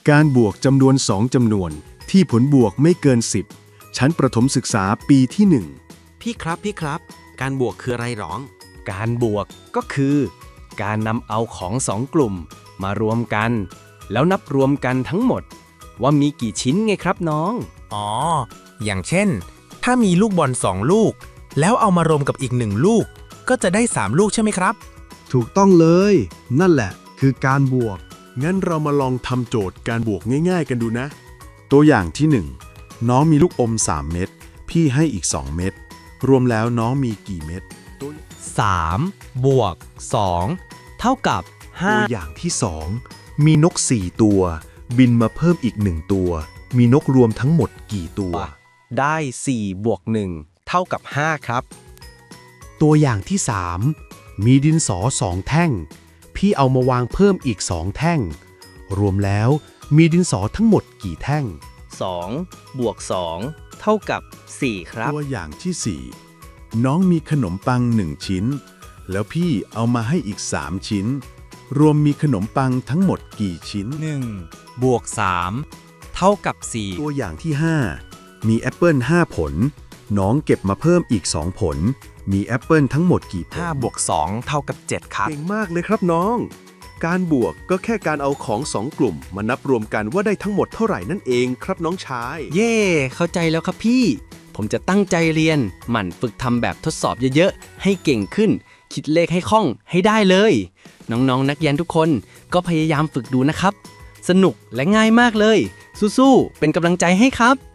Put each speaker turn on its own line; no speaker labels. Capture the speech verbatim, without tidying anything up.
การบวกจำนวนสองจำนวนที่ผลบวกไม่เกินสิบชั้นประถมศึกษาปีที่หนึ่ง
พี่ครับพี่ครับ การบวกคืออะไรหรอ
การบวกก็คือ การนำเอาของสองกลุ่มมารวมกัน แล้วนับรวมกันทั้งหมด ว่ามีกี่ชิ้นไงครับน้อง
อ๋อ อย่างเช่น ถ้ามีลูกบอลสองลูก แล้วเอามารวมกับอีกหนึ่งลูก ก็จะได้สามลูกใช่ไหมครับ
ถูกต้องเลย นั่นแหละคือการบวก
งั้นเรามาลองทำโจทย์การบวกง่ายๆกันดูนะ ตัวอย่างที่หนึ่งน้องมีลูกอมสามเม็ดพี่ให้อีกสองเม็ดรวมแล้วน้องมีกี่เม็ดตัว
สาม บวก สอง เท่ากับ ห้า
ตัวอย่างที่สองมีนกสี่ตัว บินมาเพิ่มอีกหนึ่งตัว มีนกรวมทั้งหมดกี่ตัว
ได้ สี่ บวก หนึ่ง เท่ากับ ห้า ครับ
ตัวอย่างที่สามมีดินสอสองแท่ง พี่เอามาวางเพิ่มอีกสองแท่ง รวมแล้วมีดินสอทั้งหมดกี่แท่ง
สอง บวก สอง เท่ากับ สี่ ครับ
ตัวอย่างที่สี่น้องมีขนมปังหนึ่งชิ้น แล้วพี่เอามาให้อีกสามชิ้น รวมมีขนมปังทั้งหมดกี่ชิ้น
หนึ่ง บวก สาม เท่ากับ สี่
ตัวอย่างที่ห้ามีแอปเปิลห้าผล น้องเก็บมาเพิ่มอีกสองผล มีแอปเปิลทั้งหมดกี่ผล
ห้า บวก สอง เท่ากับ เจ็ด ครับ
เก่งมากเลยครับน้อง การบวกก็แค่การเอาของสองกลุ่มมานับรวมกันว่าได้ทั้งหมดเท่าไหร่นั่นเองครับน้องชาย
เย่ เข้าใจแล้วครับพี่ ผมจะตั้งใจเรียน หมั่นฝึกทำแบบทดสอบเยอะๆ ให้เก่งขึ้น คิดเลขให้คล่องให้ได้เลย น้องๆ นักเรียนทุกคนก็พยายามฝึกดูนะครับ สนุกและง่ายมากเลย สู้ๆ เป็นกำลังใจให้ครับ